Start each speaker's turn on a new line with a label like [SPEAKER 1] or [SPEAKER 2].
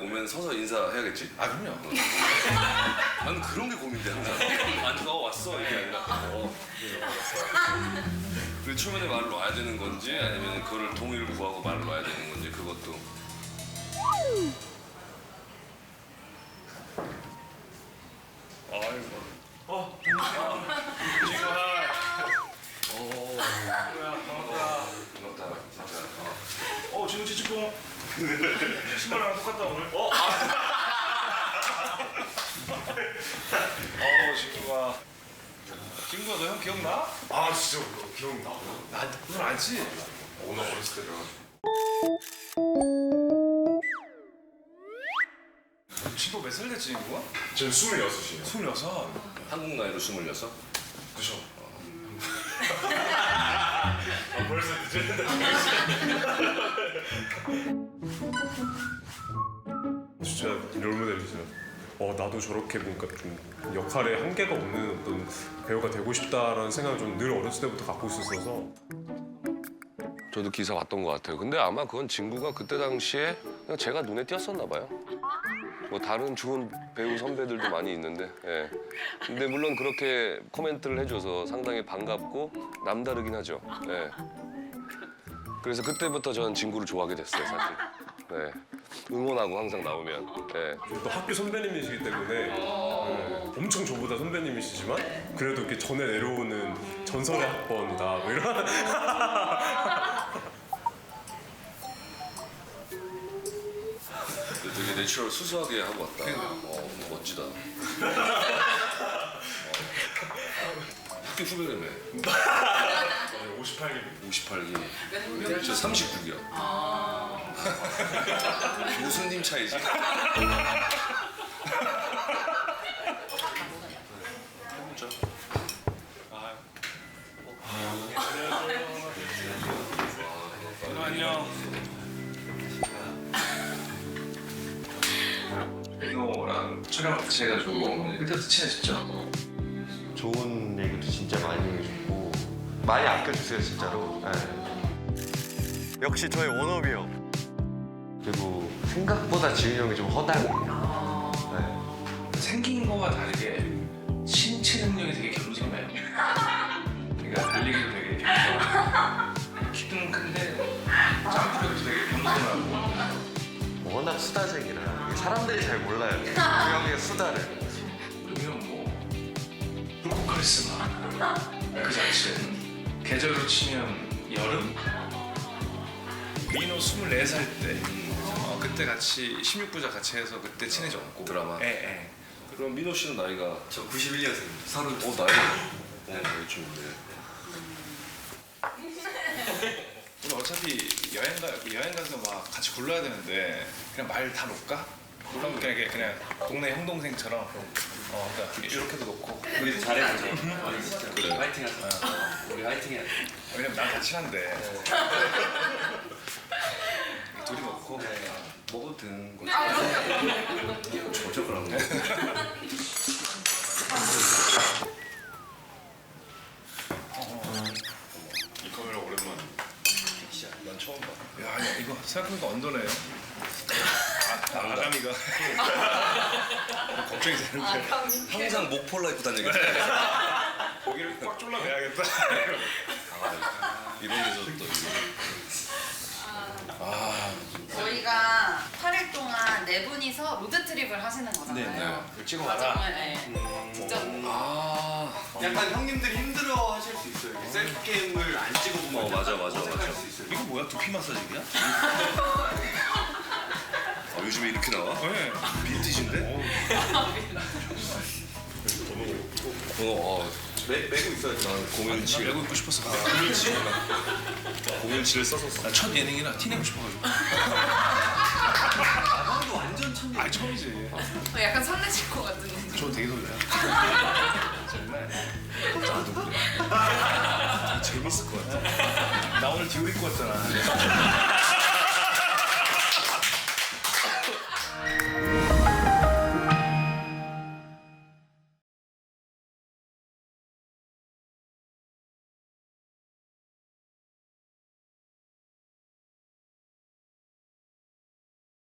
[SPEAKER 1] 오면 서서 인사해야겠지?
[SPEAKER 2] 아 그럼요.
[SPEAKER 1] 나는 그런 게 고민돼 항상. 앉아 왔어 이게 아니라. 그리고 초면에 말을 놔야 되는 건지 아니면 그거를 동의를 구하고 말을 놔야 되는 건지 그것도.
[SPEAKER 2] 아이고.
[SPEAKER 1] 반갑다 진짜.
[SPEAKER 2] 지금 찌찌뽕. 신발랑 똑같다 오늘. 친구가. 친구가 너 형 기억나?
[SPEAKER 3] 아 진짜 기억나.
[SPEAKER 2] 넌 알지?
[SPEAKER 3] 오늘 어렸을 때가
[SPEAKER 2] 친구 몇 살 됐지 친구가?
[SPEAKER 3] 저는 26이에요.
[SPEAKER 2] 26.
[SPEAKER 1] 한국 나이로 26?
[SPEAKER 3] 그죠? 벌써 늦었는데. 진짜 롤모델이죠. 나도 저렇게 뭔가 좀 역할에 한계가 없는 어떤 배우가 되고 싶다라는 생각을 좀 늘 어렸을 때부터 갖고 있었어서.
[SPEAKER 1] 저도 기사 봤던 것 같아요. 근데 아마 그건 진구가 그때 당시에 그냥 제가 눈에 띄었었나 봐요. 뭐 다른 좋은 배우 선배들도 많이 있는데, 예. 근데 물론 그렇게 코멘트를 해줘서 상당히 반갑고 남다르긴 하죠. 예. 그래서 그때부터 저는 진구를 좋아하게 됐어요, 사실. 네. 응원하고 항상 나오면. 예.
[SPEAKER 3] 또 학교 선배님이시기 때문에 엄청 저보다 선배님이시지만 그래도 이렇게 전에 내려오는 전설의 학번이다 뭐 이런.
[SPEAKER 1] 되게 내추럴 수수하게 하고 왔다. 멋지다. 학교 후배라며.
[SPEAKER 3] 58기.
[SPEAKER 1] 58기. 저 39기야. 교수님 차이지. 해보자.
[SPEAKER 2] 안녕. 이거랑 촬영 같이 해가지고 그때부터 친해졌죠.
[SPEAKER 4] 좋은 얘기도 진짜 많이 해주고 많이 아껴주세요 진짜로. 네. 역시 저의 워너비 형. 그리고 생각보다 지훈이 형이 좀 허당해요. 네.
[SPEAKER 2] 생긴 거와 다르게 신체 능력이 되게 겸직해요. 그러니까 달리기도 되게 겸직하고 키는 큰데 점프력도 되게 겸손하고.
[SPEAKER 4] 워낙 수다쟁이라 이게 사람들이 잘 몰라요. 그 형의 수다를.
[SPEAKER 2] 그러면 뭐 불꽃 카리스마 그 자체. 계절로 치면 여름. 민호 24살 때 그때 같이 16부작 같이 해서 그때 친해졌고
[SPEAKER 1] 드라마?
[SPEAKER 2] 예.
[SPEAKER 1] 그럼 민호 씨는 나이가
[SPEAKER 4] 저 91년생입니다.
[SPEAKER 1] 30. 나이가. 나이쯤인데.
[SPEAKER 2] 우리 어차피 여행 가서 막 같이 굴러야 되는데 그냥 말 다 놓을까? 그럼 그냥 동네 형 동생처럼 그러니까 이렇게도 놓고
[SPEAKER 4] 우리도 잘해야죠.
[SPEAKER 1] 그래.
[SPEAKER 4] 화이팅 하자. 우리 화이팅 해야 돼.
[SPEAKER 2] 왜냐면 난 같이 한대 둘이 놓고
[SPEAKER 1] 먹어도 되는 거지. 저쪽을 한 거.
[SPEAKER 2] 이 카메라 오랜만에 난 처음 봐. 야 이거 생각해보니까 언더네요. 아가미가 걱정이 되는데
[SPEAKER 1] 항상 목폴라 입고 다니겠다.
[SPEAKER 2] 고기를 꽉 졸라매야겠다.
[SPEAKER 1] 이런 데서 또 이거.
[SPEAKER 5] 저희가 8일 동안 4분이서 로드트립을 하시는 거잖아요.
[SPEAKER 1] 네.
[SPEAKER 5] 그 과정을 직접
[SPEAKER 4] 약간 형님들이 힘들어 하실 수 있어요. 이렇게 셀프 게임을 안 찍어보면
[SPEAKER 1] 맞아.
[SPEAKER 4] 어색할 수 있어요.
[SPEAKER 2] 이거 뭐야? 두피 마사지기야?
[SPEAKER 1] 요즘에 이렇게 나와?
[SPEAKER 2] 네.
[SPEAKER 1] 빈티지인데?
[SPEAKER 4] 매고 있어요.
[SPEAKER 1] 난 017.
[SPEAKER 2] 메고 입고 싶었어.
[SPEAKER 1] 017을 썼었어.
[SPEAKER 2] 첫 예능이라 티 내고 싶어가지고.
[SPEAKER 4] 형도 완전 천재.
[SPEAKER 2] 아니 처음이지.
[SPEAKER 5] 약간 설레실 것 같은 느낌.
[SPEAKER 2] 저 되게 설레요. 정말.
[SPEAKER 1] 재밌을 것 같아.
[SPEAKER 2] 나 오늘 디올 입고 왔잖아.